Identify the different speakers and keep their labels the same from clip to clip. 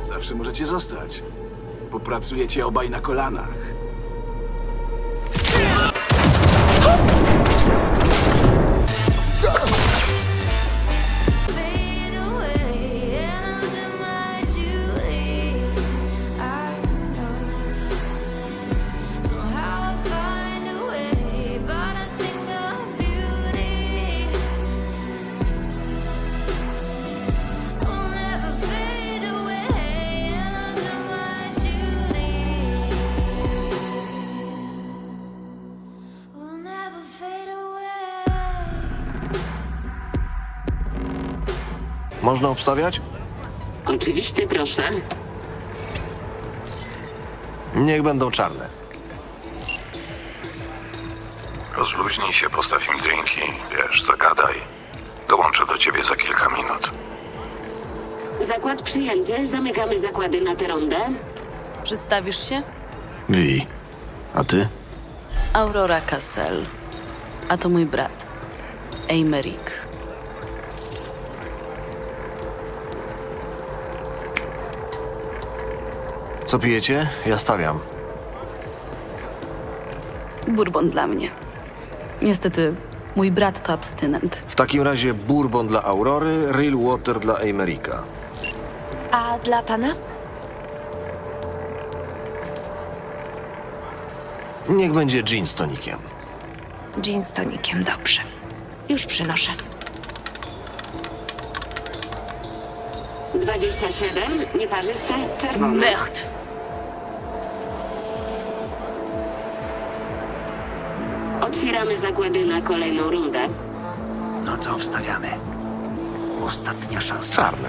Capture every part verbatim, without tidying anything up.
Speaker 1: Zawsze możecie zostać. Popracujecie obaj na kolanach.
Speaker 2: Fade away, and under my Julie, I know somehow I find a way, but I think of beauty will never fade away, and under my Julie will never fade away.
Speaker 3: Można obstawiać?
Speaker 4: Oczywiście, proszę.
Speaker 3: Niech będą czarne.
Speaker 5: Rozluźnij się, postaw im drinki, wiesz, zagadaj. Dołączę do ciebie za kilka minut.
Speaker 4: Zakład przyjęty. Zamykamy zakłady na tę rundę.
Speaker 6: Przedstawisz się?
Speaker 3: Wi. A ty?
Speaker 6: Aurora Cassel. A to mój brat. Aymeric.
Speaker 3: Co pijecie? Ja stawiam.
Speaker 6: Bourbon dla mnie. Niestety, mój brat to abstynent.
Speaker 3: W takim razie bourbon dla Aurory, real water dla Aymerica.
Speaker 7: A dla pana?
Speaker 3: Niech będzie gin z tonikiem.
Speaker 7: Gin z tonikiem, dobrze. Już przynoszę.
Speaker 4: dwadzieścia siedem. Nieparzyste. Czerwone.
Speaker 6: Mecht!
Speaker 4: Otwieramy zakłady na kolejną rundę.
Speaker 1: No to wstawiamy. Ostatnia szansa.
Speaker 3: Czarne.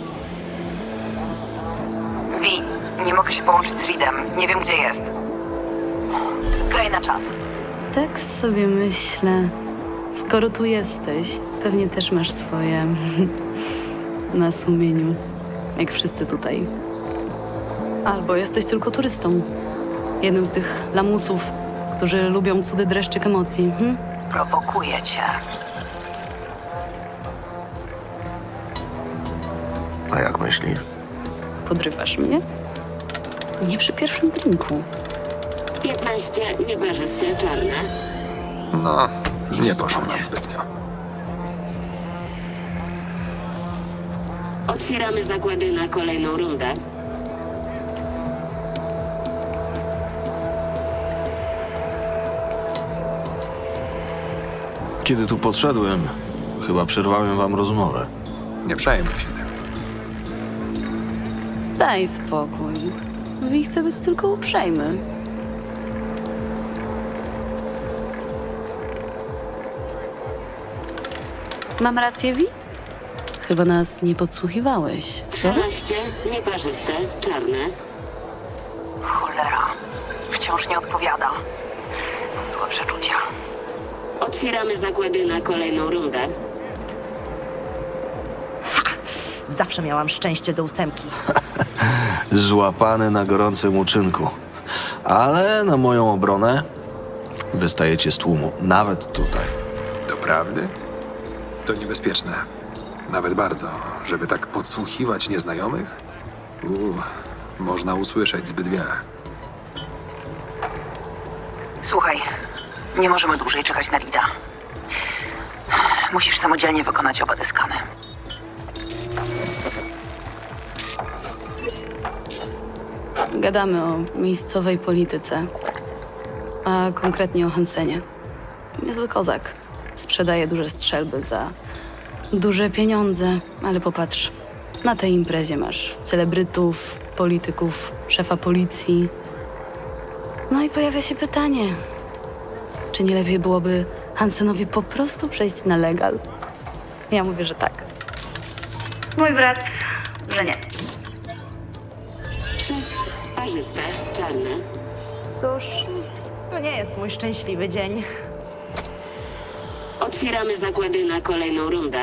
Speaker 8: Wi, nie mogę się połączyć z Reedem. Nie wiem, gdzie jest. Graj na czas.
Speaker 6: Tak sobie myślę. Skoro tu jesteś, pewnie też masz swoje na sumieniu. Jak wszyscy tutaj. Albo jesteś tylko turystą. Jednym z tych lamusów, którzy lubią cudy dreszczyk emocji. Hm?
Speaker 8: Prowokuję cię.
Speaker 3: A jak myślisz?
Speaker 6: Podrywasz mnie? Nie przy pierwszym drinku.
Speaker 4: piętnaście. Nieparzyste. Czarne.
Speaker 5: No,
Speaker 1: Nie poszło nam zbytnio.
Speaker 4: Otwieramy zakłady na kolejną rundę.
Speaker 3: Kiedy tu podszedłem, chyba przerwałem wam rozmowę.
Speaker 1: Nie przejmuj się tym.
Speaker 6: Daj spokój. Wi chce być tylko uprzejmy. Mam rację, Wi? Chyba nas nie podsłuchiwałeś, co?
Speaker 4: trzynaście. Nieparzyste. Czarne.
Speaker 8: Cholera. Wciąż nie odpowiada. Mam złe przeczucia.
Speaker 4: Otwieramy zakłady na kolejną rundę.
Speaker 9: Zawsze miałam szczęście do ósemki.
Speaker 3: Złapany na gorącym uczynku. Ale na moją obronę wystajecie z tłumu, nawet tutaj.
Speaker 10: Doprawdy? To niebezpieczne. Nawet bardzo, żeby tak podsłuchiwać nieznajomych? Uuu, można usłyszeć zbyt wiele.
Speaker 8: Słuchaj, nie możemy dłużej czekać na Reeda. Musisz samodzielnie wykonać oba te skany.
Speaker 6: Gadamy o miejscowej polityce, a konkretnie o Hansenie. Niezły kozak. Sprzedaje duże strzelby za duże pieniądze, ale popatrz, na tej imprezie masz celebrytów, polityków, szefa policji. No i pojawia się pytanie, czy nie lepiej byłoby Hansenowi po prostu przejść na legal? Ja mówię, że tak. Mój brat, że nie.
Speaker 4: Parzyste. Czarne.
Speaker 9: Cóż, to nie jest mój szczęśliwy dzień.
Speaker 4: Otwieramy zakłady na kolejną rundę.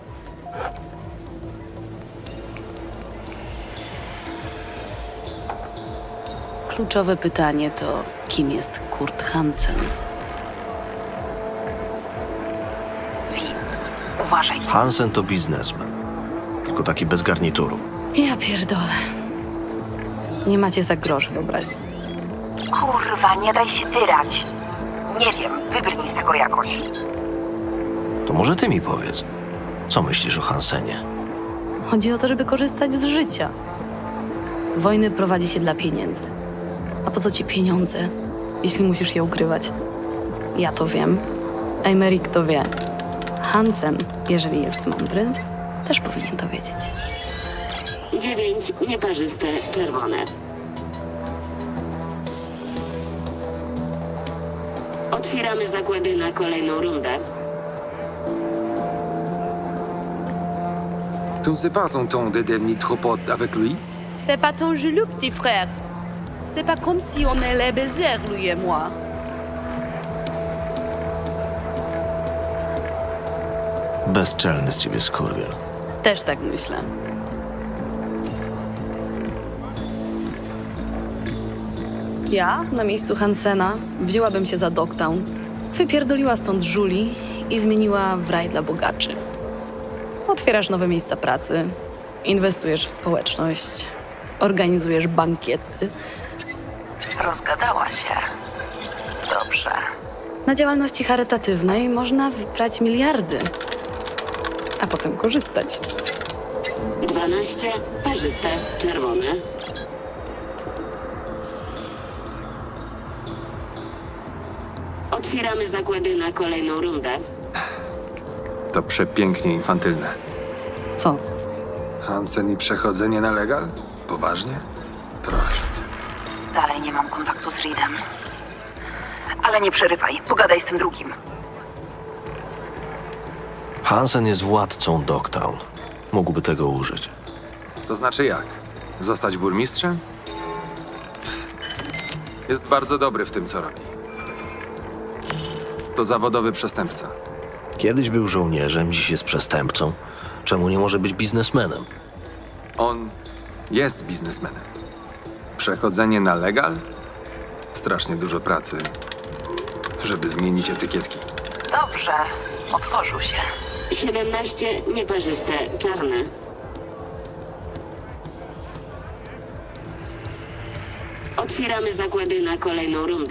Speaker 6: Kluczowe pytanie to, kim jest Kurt Hansen?
Speaker 8: Wi, uważaj.
Speaker 3: Hansen to biznesmen. Tylko taki bez garnituru.
Speaker 6: Ja pierdolę. Nie macie za grosz wyobraźni.
Speaker 8: Kurwa, nie daj się tyrać. Nie wiem, wybrnij z tego jakoś.
Speaker 3: To może ty mi powiedz, co myślisz o Hansenie?
Speaker 6: Chodzi o to, żeby korzystać z życia. Wojny prowadzi się dla pieniędzy. A po co ci pieniądze, jeśli musisz je ukrywać? Ja to wiem. Emerik to wie. Hansen, jeżeli jest mądry, też powinien to wiedzieć.
Speaker 4: dziewięć nieparzyste czerwone. Otwieramy zakłady na kolejną rundę.
Speaker 10: Tu c'est pas son ton de devenir trop pote avec lui?
Speaker 11: Fais pas ton jaloux, petit frère. C'est pas comme si on allait baiser, lui et moi.
Speaker 3: Bezczelny z ciebie skurwiel.
Speaker 6: Też tak myślę. Ja, na miejscu Hansena, wzięłabym się za Dogtown, wypierdoliła stąd żuli i zmieniła w raj dla bogaczy. Otwierasz nowe miejsca pracy, inwestujesz w społeczność, organizujesz bankiety.
Speaker 8: Rozgadała się. Dobrze.
Speaker 6: Na działalności charytatywnej można wyprać miliardy, a potem korzystać.
Speaker 4: dwanaście parzyste czerwone. Otwieramy zakłady na kolejną rundę.
Speaker 10: To przepięknie infantylne.
Speaker 6: Co?
Speaker 10: Hansen i przechodzenie na legal? Poważnie? Proszę cię.
Speaker 8: Dalej nie mam kontaktu z Reedem. Ale nie przerywaj, pogadaj z tym drugim.
Speaker 3: Hansen jest władcą Dogtown. Mógłby tego użyć.
Speaker 10: To znaczy jak? Zostać burmistrzem? Pff. Jest bardzo dobry w tym, co robi. To zawodowy przestępca.
Speaker 3: Kiedyś był żołnierzem, dziś jest przestępcą. Czemu nie może być biznesmenem?
Speaker 10: On jest biznesmenem. Przechodzenie na legal? Strasznie dużo pracy, żeby zmienić etykietki.
Speaker 8: Dobrze, otworzył się.
Speaker 4: siedemnaście nieparzyste czarne. Otwieramy zakłady na kolejną rundę.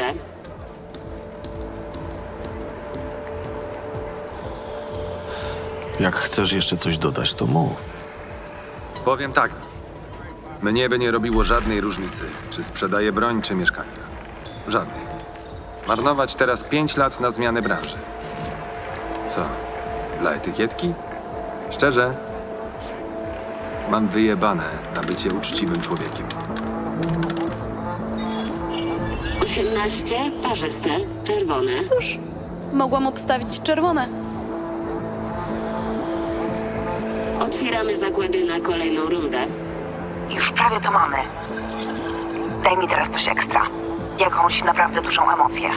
Speaker 3: Jak chcesz jeszcze coś dodać, to mów.
Speaker 10: Powiem tak mi. Mnie by nie robiło żadnej różnicy, czy sprzedaję broń, czy mieszkania. Żadnej. Marnować teraz pięć lat na zmianę branży. Co? Dla etykietki? Szczerze? Mam wyjebane na bycie uczciwym człowiekiem.
Speaker 4: osiemnaście parzyste czerwone.
Speaker 6: Cóż, mogłam obstawić czerwone.
Speaker 4: Otwieramy zakłady na kolejną rundę.
Speaker 8: Już prawie to mamy. Daj mi teraz coś ekstra. Jakąś naprawdę dużą emocję.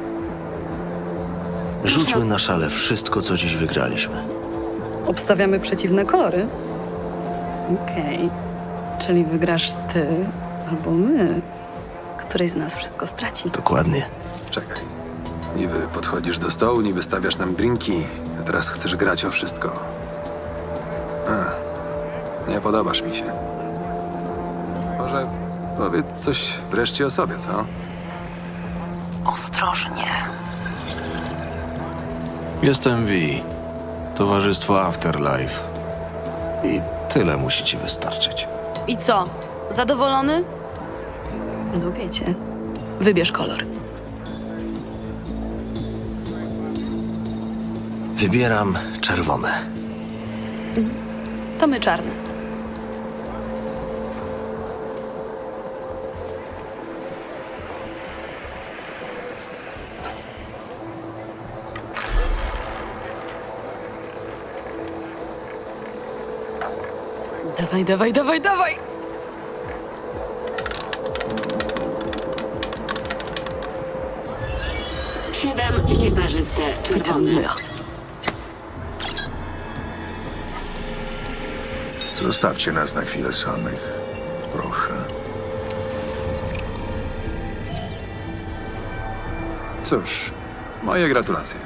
Speaker 3: Rzućmy na szale wszystko, co dziś wygraliśmy.
Speaker 6: Obstawiamy przeciwne kolory? Okej. Czyli wygrasz ty albo my. Któryś z nas wszystko straci.
Speaker 3: Dokładnie.
Speaker 10: Czekaj. Niby podchodzisz do stołu, niby stawiasz nam drinki, a teraz chcesz grać o wszystko. A, nie podobasz mi się. Może powiedz coś wreszcie o sobie, co?
Speaker 8: Ostrożnie.
Speaker 3: Jestem V. Towarzystwo Afterlife. I tyle musi ci wystarczyć.
Speaker 6: I co? Zadowolony? Lubię cię. Wybierz kolor.
Speaker 3: Wybieram czerwone.
Speaker 6: To my czarne. Dawaj, dawaj, dawaj, dawaj!
Speaker 4: siedem nieparzyste czerwone.
Speaker 12: Zostawcie nas na chwilę samych. Proszę.
Speaker 10: Cóż, moje gratulacje.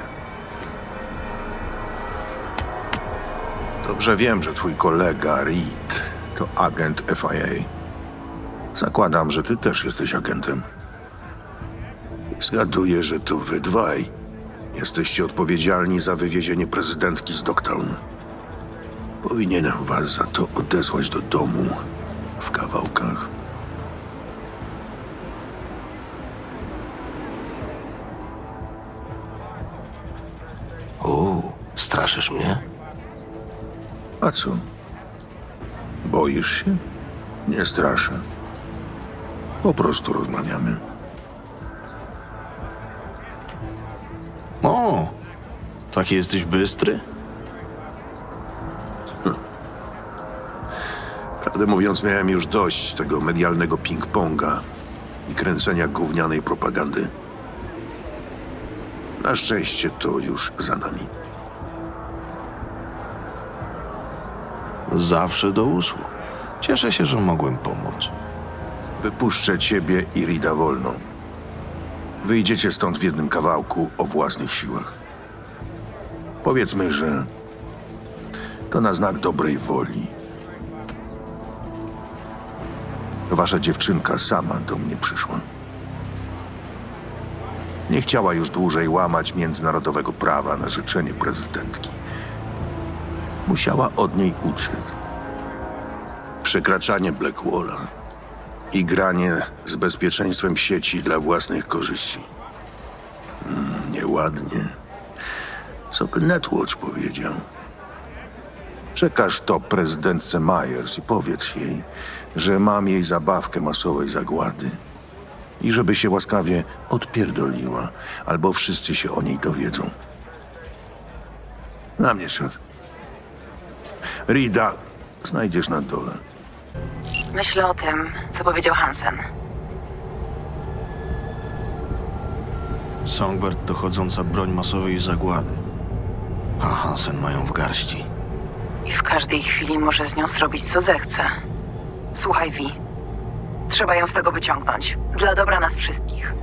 Speaker 12: Dobrze wiem, że twój kolega Reed to agent F I A. Zakładam, że ty też jesteś agentem. Zgaduję, że to wy dwaj jesteście odpowiedzialni za wywiezienie prezydentki z Dogtown. Powinienem was za to odesłać do domu w kawałkach.
Speaker 3: Uuu, straszysz mnie?
Speaker 12: A co? Boisz się? Nie straszę. Po prostu rozmawiamy.
Speaker 3: O, taki jesteś bystry?
Speaker 12: Prawdę mówiąc, miałem już dość tego medialnego ping-ponga i kręcenia gównianej propagandy. Na szczęście to już za nami.
Speaker 3: Zawsze do usług. Cieszę się, że mogłem pomóc.
Speaker 12: Wypuszczę ciebie i Rida wolną. Wyjdziecie stąd w jednym kawałku o własnych siłach. Powiedzmy, że to na znak dobrej woli. Wasza dziewczynka sama do mnie przyszła. Nie chciała już dłużej łamać międzynarodowego prawa na życzenie prezydentki. Musiała od niej uciec. Przekraczanie Blackwalla i granie z bezpieczeństwem sieci dla własnych korzyści. Mm, nieładnie. Co by Netwatch powiedział? Przekaż to prezydentce Myers i powiedz jej, że mam jej zabawkę masowej zagłady i żeby się łaskawie odpierdoliła, albo wszyscy się o niej dowiedzą. Na mnie szedł. Rida znajdziesz na dole.
Speaker 8: Myślę o tym, co powiedział Hansen.
Speaker 3: Songbird to chodząca broń masowej zagłady. A Hansen mają w garści.
Speaker 8: I w każdej chwili może z nią zrobić, co zechce. Słuchaj, Vi. Trzeba ją z tego wyciągnąć. Dla dobra nas wszystkich.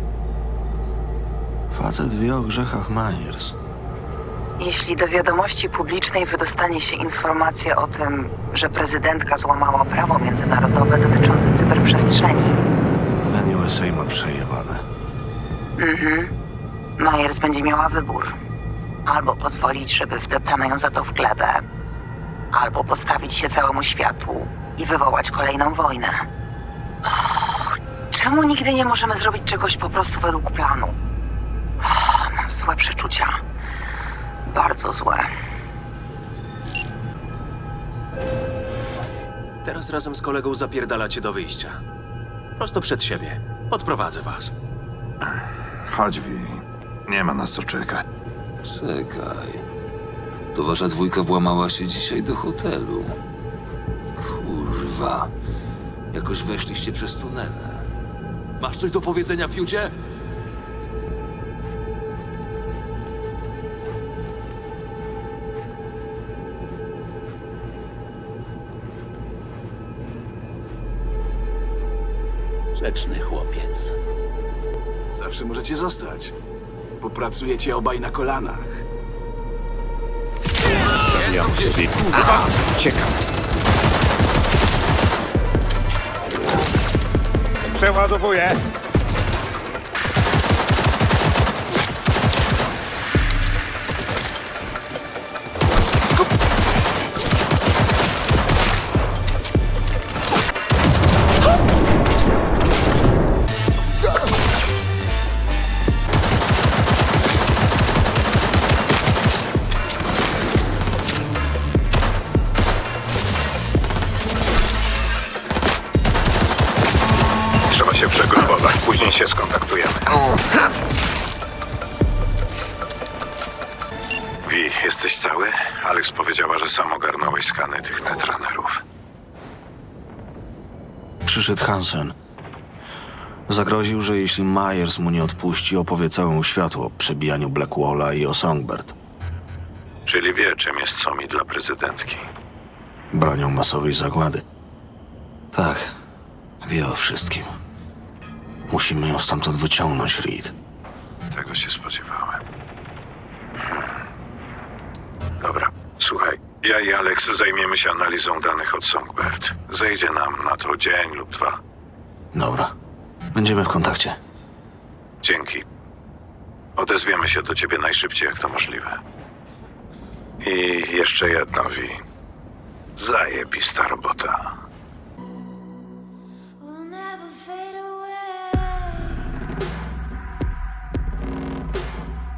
Speaker 3: Facet wie o grzechach Myers.
Speaker 8: Jeśli do wiadomości publicznej wydostanie się informacja o tym, że prezydentka złamała prawo międzynarodowe dotyczące cyberprzestrzeni.
Speaker 3: N U S A ma przejebane.
Speaker 8: Mhm. Myers będzie miała wybór. Albo pozwolić, żeby wdeptano ją za to w glebę, albo postawić się całemu światu i wywołać kolejną wojnę. Och, czemu nigdy nie możemy zrobić czegoś po prostu według planu? Och, mam złe przeczucia. Bardzo złe.
Speaker 13: Teraz razem z kolegą zapierdalacie do wyjścia. Prosto przed siebie. Odprowadzę was.
Speaker 12: Chodź, Vi. Nie ma nas co czekać.
Speaker 14: Czekaj. To wasza dwójka włamała się dzisiaj do hotelu. Kurwa. Jakoś weszliście przez tunele.
Speaker 13: Masz coś do powiedzenia, Fiucie? Grzeczny chłopiec.
Speaker 1: Zawsze możecie zostać. Popracujecie obaj na kolanach.
Speaker 14: Ja gdzieś.
Speaker 15: Ciekawe. Przeładowuję.
Speaker 5: Trzeba się przegrupować, później się skontaktujemy. Vi, jesteś cały? Alex powiedziała, że sam ogarnąłeś skany tych netrunnerów.
Speaker 3: Przyszedł Hansen. Zagroził, że jeśli Myers mu nie odpuści, opowie całemu światu o przebijaniu Blackwalla i o Songbird.
Speaker 5: Czyli wie, czym jest Somi dla prezydentki.
Speaker 3: Bronią masowej zagłady. Tak, wie o wszystkim. Musimy ją stamtąd wyciągnąć, Reed.
Speaker 5: Tego się spodziewałem. Hmm. Dobra, słuchaj. Ja i Alex zajmiemy się analizą danych od Songbird. Zejdzie nam na to dzień lub dwa.
Speaker 3: Dobra. Będziemy w kontakcie.
Speaker 5: Dzięki. Odezwiemy się do ciebie najszybciej, jak to możliwe. I jeszcze jedno, Vi. Zajebista robota.